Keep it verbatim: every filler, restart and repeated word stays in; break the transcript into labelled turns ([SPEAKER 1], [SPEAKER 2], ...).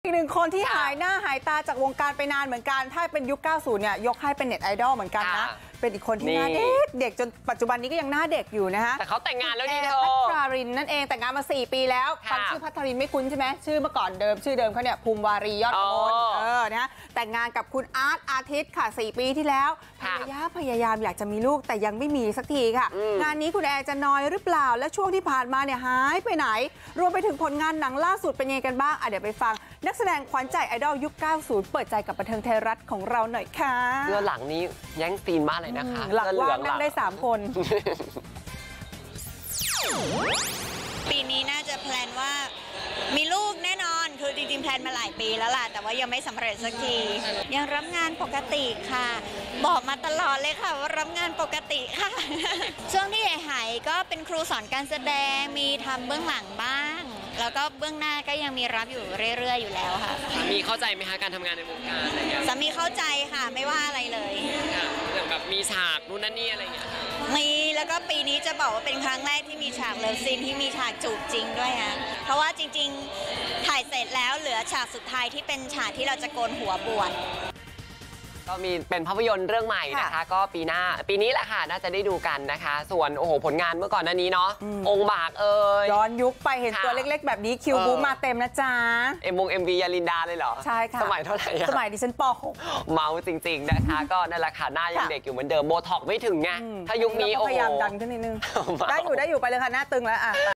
[SPEAKER 1] อีกหนึ่งคนที่หายหน้าหายตาจากวงการไปนานเหมือนกันถ้าเป็นยุค เก้าสิบ เนี่ยยกให้เป็นเน็ตไอดอลเหมือนกันนะเป็นอีกคนที่หน้าเด็กเด็กจนปัจจุบันนี้ก็ยังหน้าเด็กอยู่นะฮะ
[SPEAKER 2] แต่เขาแต่งงานแล้วนี่เธอ
[SPEAKER 1] พัทรารินนั่นเองแต่งงานมาสี่ปีแล้วฟังชื่อพัทรารินไม่คุ้นใช่ไหมชื่อเมื่อก่อนเดิมชื่อเดิมเขาเนี่ยภูมิวารียอดกมลเออนะฮะแต่งงานกับคุณอาร์ตอาทิตย์ค่ะสี่ปีที่แล้วภรรยาพยายามอยากจะมีลูกแต่ยังไม่มีสักทีค่ะงานนี้คุณแอร์จะนอยหรือเปล่าและช่วงที่ผ่านมาเนี่ยหายไปไหนรวมไปถึงผลงานหนังล่าสุดเป็นยังไงกันบ้างอ่ะเดี๋ยวไปฟังนักแสดงขวัญใจไอดอลยุค เก้าสิบ เปิดใจกับบันเทิงไทยรัฐของเราหน่อยค่ะ
[SPEAKER 2] เสื้อหลังนี้แย่งซีนมากเลยนะคะ
[SPEAKER 1] หลังว่างนั่งได้สามคน
[SPEAKER 3] ปีนี้น่าจะแพลนว่ามีลูกแน่นอนคือจริงๆแพลนมาหลายปีแล้วล่ะแต่ว่ายังไม่สำเร็จสักทียังรับงานปกติค่ะบอกมาตลอดเลยค่ะว่ารับงานปกติค่ะช่วงที่หายก็เป็นครูสอนการแสดงมีทำเบื้องหลังบ้างแล้วก็เบื้องหน้าก็ยังมีรับอยู่เรื่อยๆอยู่แล้วค่ะ
[SPEAKER 2] สามีเข้าใจไหมคะการทำงานในวงการอะไรเงี้ย
[SPEAKER 3] สามีเข้าใจค่ะไม่ว่าอะไรเลย
[SPEAKER 2] อย่างแบบมีฉากนู่นนั่นนี่อะไรเงี้ย
[SPEAKER 3] มีแล้วก็ปีนี้จะบอกว่าเป็นครั้งแรกที่มีฉากเลิฟซีนที่มีฉากจูบจริงด้วยฮะเพราะว่าจริงๆถ่ายเสร็จแล้วเหลือฉากสุดท้ายที่เป็นฉากที่เราจะโกนหัวบวช
[SPEAKER 2] ก็มีเป็นภาพยนตร์เรื่องใหม่นะคะก็ปีหน้าปีนี้แหละค่ะน่าจะได้ดูกันนะคะส่วนโอ้โหผลงานเมื่อก่อนหน้านี้เนาะองค์บากเอ่ย
[SPEAKER 1] ย้อนยุคไปเห็นตัวเล็กๆแบบนี้คิวบูมาเต็มนะจ๊ะ
[SPEAKER 2] เอ็มวงเอ็มวียาลินดาเลยเหรอ
[SPEAKER 1] ใช่ค่ะ
[SPEAKER 2] สมัยเท่าไหร่
[SPEAKER 1] สมัยดิฉันป หก
[SPEAKER 2] เมาจริงๆนะคะก็นั่นแหละค่ะหน้ายังเด็กอยู่เหมือนเดิมโบท็อกไม่ถึงไงถ้ายุคนี้โอ้โห
[SPEAKER 1] พยายามดันขึ้นนิดนึงได้อยู่ได้อยู่ไปเลยค่ะหน้าตึงแล้วอ่ะ